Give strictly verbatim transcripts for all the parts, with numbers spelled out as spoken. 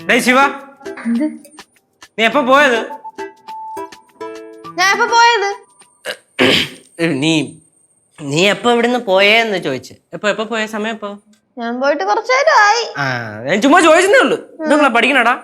ശിവ നീ എപ്പോ പോയത്? ഞാൻ എപ്പോ പോയത്? നീ നീ എപ്പോ ഇവിടുന്ന് പോയേന്ന് ചോദിച്ചു. എപ്പോ എപ്പോ പോയ സമയം എപ്പോ? ഞാൻ പോയിട്ട് കുറച്ചു നേരമായി. ആ ഞാൻ ചുമ്മാ ചോദിച്ചതേ ഉള്ളു. നിങ്ങളാ പഠിക്കണടാ?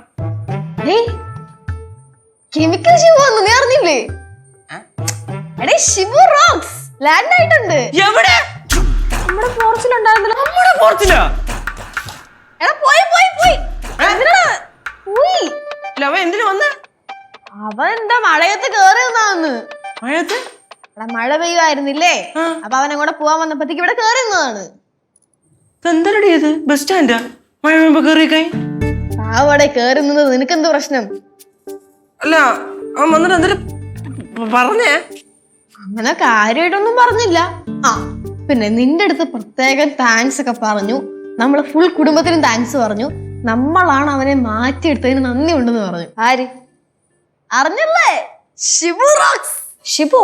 കെമിക്കൽ ഷിബു വന്നു, നീ അറിഞ്ഞില്ലേ? എടേ ഷിബു റോക്സ് ലാൻഡ് ആയിട്ടുണ്ട്. എവിടെ? നമ്മുടെ ഫോർച്ചിലുണ്ടായിരുന്നല്ലോ. നമ്മുടെ ഫോർച്ചിലാ? എടാ പോയി പോയി പോയി. എന്തിനാ? പോയി. അവൻ എന്തിനു വന്ന്? അവൻ എന്താ മഴയത്ത് കേറി വന്നാന്ന്. മഴയത്ത്? എടാ മഴ പെയ്യുമായിരുന്നില്ലേ, അപ്പൊ അവൻ അങ്ങോട്ട് പോവാൻ വന്നപ്പോഴത്തേക്ക് ഇവിടെ കേറി വന്നതാണ്. എന്തരടി ഇത്? ബസ് സ്റ്റാൻഡാ? മഴ പെയ്യുമ്പോ കേറിയേക്കായി? അവിടെ കേറി നിന്നത് നിനക്കെന്ത് പ്രശ്നം? അല്ല അവൻ വന്നിട്ട് എന്തെങ്കിലും പറഞ്ഞേ? അങ്ങനെ കാര്യമായിട്ടൊന്നും പറഞ്ഞില്ല. ആ പിന്നെ നിന്റെ അടുത്ത് പ്രത്യേകം താങ്ക്സ് ഒക്കെ പറഞ്ഞു. നമ്മളെ ഫുൾ കുടുംബത്തിനും താങ്ക്സ് പറഞ്ഞു. നമ്മളാണ് അവനെ മാറ്റിയെടുത്തതിന് നന്ദി ഉണ്ടെന്ന് പറഞ്ഞു. ആര്? അറിഞ്ഞല്ലേ? ഷിബു റോക്സ്. ഷിബു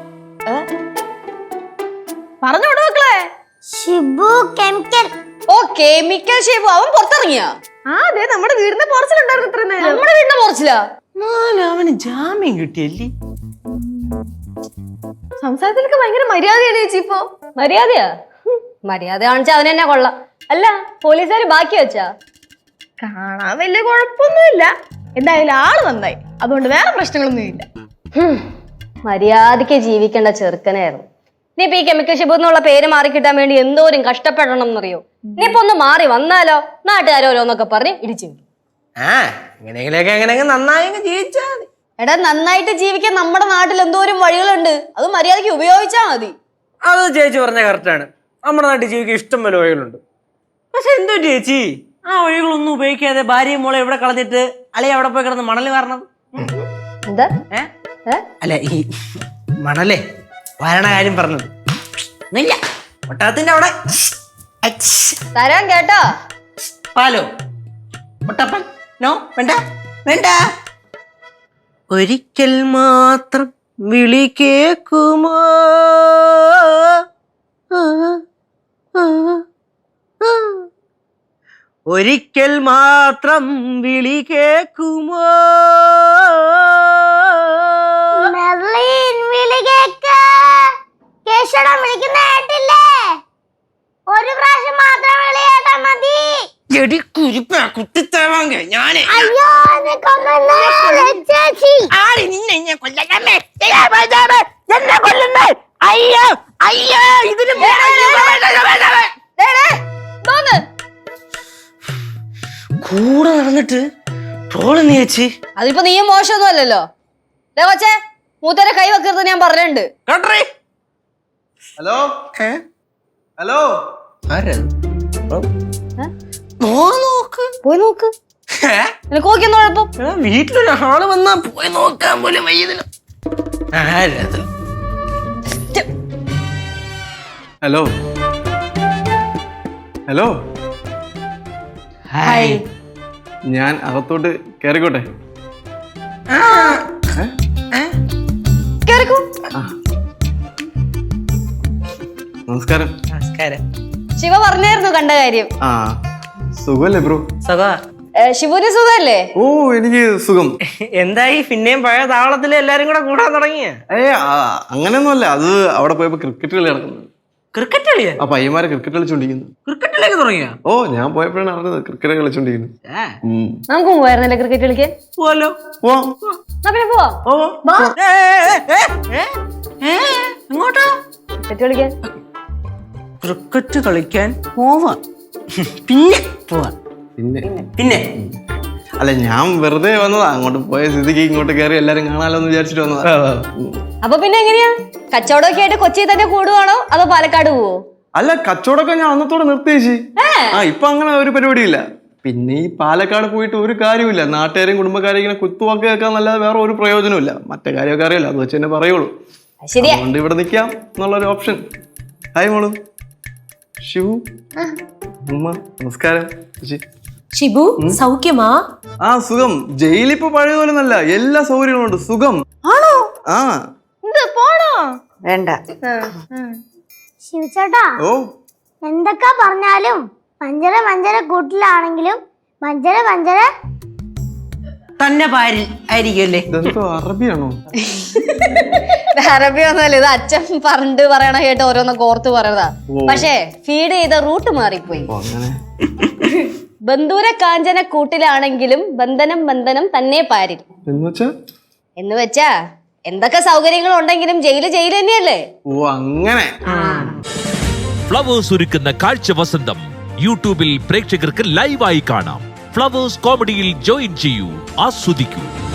പറഞ്ഞു മക്കളെ. ഷിബു കെമിക്കൽ. ഓ കെമിക്കൽ ഷിബു. അവൻ പുറത്തിറങ്ങിയാ? ആ അതെ, നമ്മുടെ വീടിന്റെ പോർച്ചിലുണ്ടായിരുന്നു ഇത്ര നേരം. നമ്മുടെ വീടിന്റെ പോർച്ചിലാ? അവന് ജാമ്യം കിട്ടിയല്ലേ? സംസാരത്തിലൊക്കെ ഭയങ്കര മര്യാദയാണ് ചേച്ചി. ഇപ്പൊ മര്യാദയാ? മര്യാദ കാണിച്ച അവൻ തന്നെ കൊള്ളാം. അല്ല പോലീസുകാര് ബാക്കി വെച്ചാ? കാണാൻ വലിയ കുഴപ്പമൊന്നുമില്ല. എന്തായാലും ആള് നന്നായി, അതുകൊണ്ട് വേറെ പ്രശ്നങ്ങളൊന്നും ഇല്ല. മര്യാദക്ക് ജീവിക്കേണ്ട ചെറുക്കനായിരുന്നു. നീ ഇപ്പൊ ഈ കെമിക്കൽ ഷിബു എന്നുള്ള പേര് മാറി കിട്ടാൻ വേണ്ടി എന്തോരം കഷ്ടപ്പെടണം എന്നറിയോ? നീ ഇപ്പൊ ഒന്ന് മാറി വന്നാലോ നാട്ടുകാരോരോന്നൊക്കെ പറഞ്ഞ് ഇടിച്ചു. ആ എങ്ങനെയെങ്കിലൊക്കെ എങ്ങനെയെങ്കിലും നന്നായി ജീവിച്ചാ മതി. എടാ നന്നായിട്ട് ജീവിക്കാൻ നമ്മുടെ നാട്ടിൽ എന്തോരം വഴികളുണ്ട്, അത് മര്യാദക്ക് ഉപയോഗിച്ചാ മതി. അത് ചേച്ചി പറഞ്ഞ കറക്റ്റാണ്. നമ്മുടെ നാട്ടിൽ ജീവിക്കാൻ ഇഷ്ടം പോലെ വഴികളുണ്ട്. പക്ഷെ എന്തോ ചേച്ചി ആ വഴികളൊന്നും ഉപയോഗിക്കാതെ ഭാര്യയും മോളെ എവിടെ കളഞ്ഞിട്ട് അളി അവിടെ പോയി കിടന്ന് മണല് വാരണം. എന്താ? അല്ല ഈ മണലേ വാരണ കാര്യം പറഞ്ഞത് ഇല്ല. ഒട്ടകത്തിന്റെ അവിടെ തരാൻ കേട്ടോ. പാലോ മുട്ടപ്പൻ? നോ, വേണ്ട വേണ്ട. ഒരിക്കൽ മാത്രം വിളി കേക്കുമോ? ഒരിക്കൽ മാത്രം വിളി കേക്കുമോ? ഒരു പ്രാവശ്യം മാത്രം വിളി കേട്ടാ മതി. എടി കുരിപ്പ കുട്ടിത്തേവാങ്ക ഞാനേ ആടി നിന്നെ ഞാൻ കൊല്ലമ്മേ എന്നെ കൊല്ലുന്നേ. അയ്യോ അയ്യോ ഇതിന് കൂടെ നടന്നിട്ട് ട്രോള് നീ ചേച്ചി. അതിപ്പോ നീയും മോശമൊന്നും അല്ലല്ലോ. കൊച്ചേ മൂത്തരെ കൈ വെക്കരുത് ഞാൻ പറഞ്ഞിട്ടുണ്ട്. ഹലോ ഹലോ പോയി നോക്ക്. നിനക്ക് നോക്കിയെന്ന് കുഴപ്പം? വീട്ടിലൊരാള് വന്നാ പോയി നോക്കാൻ പോലും വയ്യതിന്. Hello hello hi. ഞാൻ അകത്തോട്ട് കേറിക്കോട്ടെ? കേറിക്കോ. നമസ്കാരം. നമസ്കാരം. ശിവ പറഞ്ഞായിരുന്നു കണ്ട കാര്യം. ആ സുഖല്ലേ ബ്രോ? സുഖാ. ശിവുവിന് സുഖല്ലേ? ഓ എനിക്ക് സുഖം. എന്തായി പിന്നെയും പഴയ താവളത്തില് എല്ലാരും കൂടെ കൂടാൻ തുടങ്ങിയ? ഏ അങ്ങനെയൊന്നുമല്ല, അത് അവിടെ പോയപ്പോ ക്രിക്കറ്റ് കളി നടക്കുന്നത്. ക്രിക്കറ്റ് കളിയാ? ആ പയ്യന്മാരെ ക്രിക്കറ്റ് കളിച്ചോണ്ടിരിക്കുന്നു. ക്രിക്കറ്റിലേക്ക് തുടങ്ങിയ? ഓ ഞാൻ പോയപ്പോഴാണ് അറിഞ്ഞത് ക്രിക്കറ്റ് കളിച്ചോണ്ടിരിക്കുന്നു. നമുക്ക് പോവായിരുന്നല്ലേ ക്രിക്കറ്റ് കളിക്കാൻ? പോവാലോ. പിന്നെ പോവാ. എങ്ങോട്ടാ? ക്രിക്കറ്റ് കളിക്കാൻ. ക്രിക്കറ്റ് കളിക്കാൻ പോവാ. പിന്നെ പോവാ. പിന്നെ പിന്നെ അല്ല ഞാൻ വെറുതെ വന്നതാ, അങ്ങോട്ട് പോയ സ്ഥിതിക്ക് ഇങ്ങോട്ട് കയറി എല്ലാരും കാണാലോ എന്ന് വിചാരിച്ചിട്ട് വന്നതാ. അപ്പൊ പിന്നെ എങ്ങനെയാ കച്ചവടമൊക്കെ ആയിട്ട് കൊച്ചി തന്നെ കൂടുവാണോ അതോ പാലക്കാട് പോവോ? അല്ല കച്ചവടമൊക്കെ ഞാൻ അന്നത്തോടെ നിർത്തിയേച്ചി. ആ ഇപ്പൊ അങ്ങനെ ഒരു പരിപാടിയില്ല. പിന്നെ ഈ പാലക്കാട് പോയിട്ട് ഒരു കാര്യമില്ല. നാട്ടുകാരെയും കുടുംബക്കാരെയും ഇങ്ങനെ കുത്തുവാക്ക് കേൾക്കാന്നല്ലാതെ വേറെ ഒരു പ്രയോജനമില്ല. മറ്റേ കാര്യമൊക്കെ അറിയില്ല, അത് വെച്ച് തന്നെ പറയുള്ളൂ. അതുകൊണ്ട് ഇവിടെ നിൽക്കാം എന്നുള്ളൊരു ഓപ്ഷൻ. ഹായ് മോളു. ശിവു ഉമ്മ നമസ്കാരം. ഷിബു സൗഖ്യമാ? ആ സുഖം. ജയിലിപ്പോ പഴയതുപോലെ നല്ല എല്ലാ സൗകര്യങ്ങളും ഉണ്ട്. സുഖം ആണോ? ആ പോണോ? വേണ്ട. ശിവചേട്ടാ, ഓ എന്തൊക്കെ പറഞ്ഞാലും മഞ്ചര മഞ്ചര കൂട്ടിലാണെങ്കിലും മഞ്ചര മഞ്ചര തന്നെ പാരിൽ ആയിരിക്കുമല്ലേ? ഇതെന്തോ അറബിയാണോ? അറബി ഒന്നുമല്ല, ഇത് അച്ഛൻ പണ്ട് പറയണ കേട്ട് ഓരോന്നൊക്കെ ഓർത്ത് പറയണതാ. പക്ഷേ ഫീഡ് ചെയ്ത റൂട്ട് മാറിപ്പോയി. ഓ, അങ്ങനെ. ബന്ധൂര കാഞ്ചന കൂട്ടിലാണെങ്കിലും ബന്ധനം ബന്ധനം തന്നെ പാരിൽ എന്ന് വെച്ചാ എന്ന് വെച്ചാ എന്തൊക്കെ സൗകര്യങ്ങൾ ഉണ്ടെങ്കിലും ജയില് ജയില് തന്നെയല്ലേ. ഓ അങ്ങനെ. ഫ്ലവേഴ്സ് ഒരുക്കുന്ന കാഴ്ച വസന്തം യൂട്യൂബിൽ പ്രേക്ഷകർക്ക് ലൈവായി കാണാം. ഫ്ലവേഴ്സ് കോമഡിയിൽ ജോയിൻ ചെയ്യൂ, ആസ്വദിക്കൂ.